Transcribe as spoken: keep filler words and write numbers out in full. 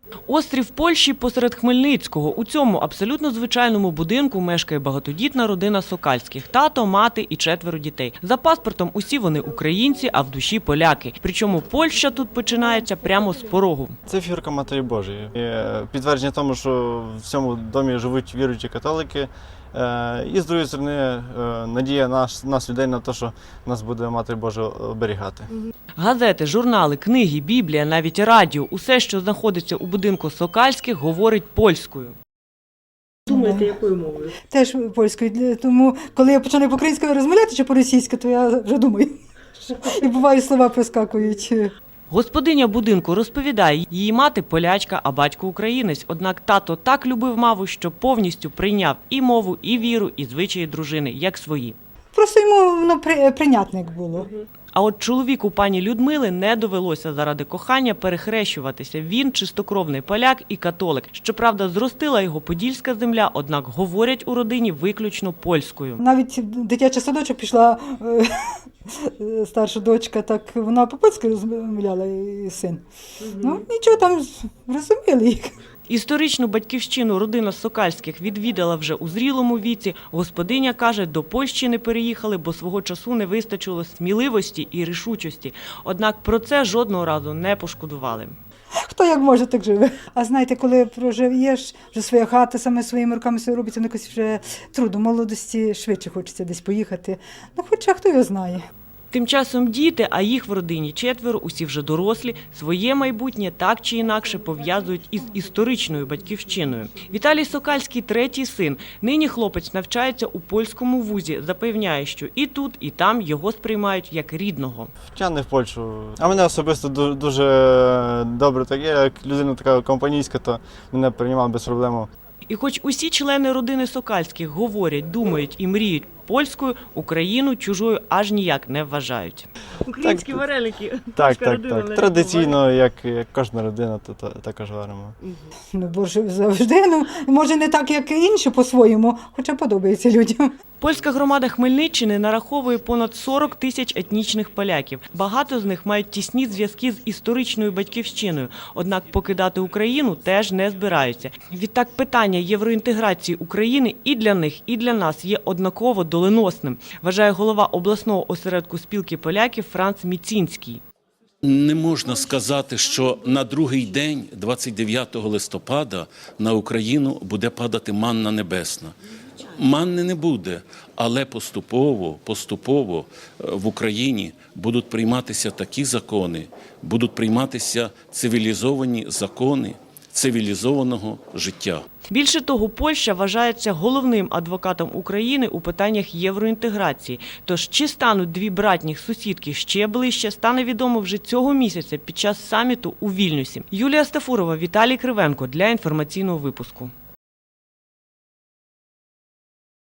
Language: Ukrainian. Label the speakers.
Speaker 1: Острів Польщі посеред Хмельницького. У цьому абсолютно звичайному будинку мешкає багатодітна родина Сокальських – тато, мати і четверо дітей. За паспортом усі вони українці, а в душі поляки. Причому Польща тут починається прямо з порогу.
Speaker 2: Це фігурка Матері Божої. І підтвердження тому, що в цьому домі живуть віруючі католики. І, з другої сторони, надія нас, нас людей на те, що нас буде Матір Божа оберігати.
Speaker 1: Газети, журнали, книги, Біблія, навіть радіо – усе, що знаходиться у будинку Сокальських, говорить польською.
Speaker 3: Думаєте, якою мовою?
Speaker 4: Теж польською. Тому, коли я починаю по-українською розмовляти чи по-російськи, то я вже думаю. І буває, слова проскакують.
Speaker 1: Господиня будинку розповідає, її мати полячка, а батько українець. Однак тато так любив маму, що повністю прийняв і мову, і віру, і звичаї дружини, як свої.
Speaker 4: Просто йому воно прийнятне було.
Speaker 1: А от чоловіку пані Людмили не довелося заради кохання перехрещуватися. Він чистокровний поляк і католик. Щоправда, зростила його подільська земля, однак говорять у родині виключно польською.
Speaker 4: Навіть дитячий садочок пішла старша дочка, так вона по-польськи розмовляла і син. Ну, нічого там, розуміли їх.
Speaker 1: Історичну батьківщину родина Сокальських відвідала вже у зрілому віці. Господиня каже, до Польщі не переїхали, бо свого часу не вистачило сміливості і рішучості. Однак про це жодного разу не пошкодували.
Speaker 4: Хто як може, так живе. А знаєте, коли проживаєш, вже своя хата, саме своїми руками все робиться, ну якось вже трудно, молодості швидше хочеться десь поїхати. Ну хоча хто його знає.
Speaker 1: Тим часом діти, а їх в родині четверо, усі вже дорослі, своє майбутнє так чи інакше пов'язують із історичною батьківщиною. Віталій Сокальський – третій син. Нині хлопець навчається у польському вузі. Запевняє, що і тут, і там його сприймають як рідного.
Speaker 2: Втягне в Польщу. А мене особисто дуже добре так є, як людина така компанійська, то мене приймав без проблем.
Speaker 1: І хоч усі члени родини Сокальських говорять, думають і мріють польською, Україну чужою аж ніяк не вважають.
Speaker 3: Українські так, вареники.
Speaker 2: Так, так, так. Традиційно, як, як кожна родина, то, то також варимо.
Speaker 4: Ну, бо ж завжди, ну, може не так, як інші по-своєму, хоча подобається людям.
Speaker 1: Польська громада Хмельниччини нараховує понад сорок тисяч етнічних поляків. Багато з них мають тісні зв'язки з історичною батьківщиною. Однак покидати Україну теж не збираються. Відтак питання євроінтеграції України і для них, і для нас є однаково доленосним, вважає голова обласного осередку спілки поляків Франц Міцінський.
Speaker 5: Не можна сказати, що на другий день, двадцять дев'ятого листопада, на Україну буде падати манна небесна. Манни не буде, але поступово, поступово в Україні будуть прийматися такі закони, будуть прийматися цивілізовані закони цивілізованого життя.
Speaker 1: Більше того, Польща вважається головним адвокатом України у питаннях євроінтеграції. Тож, чи стануть дві братніх сусідки ще ближче, стане відомо вже цього місяця під час саміту у Вільнюсі. Юлія Стафурова, Віталій Кривенко для інформаційного випуску.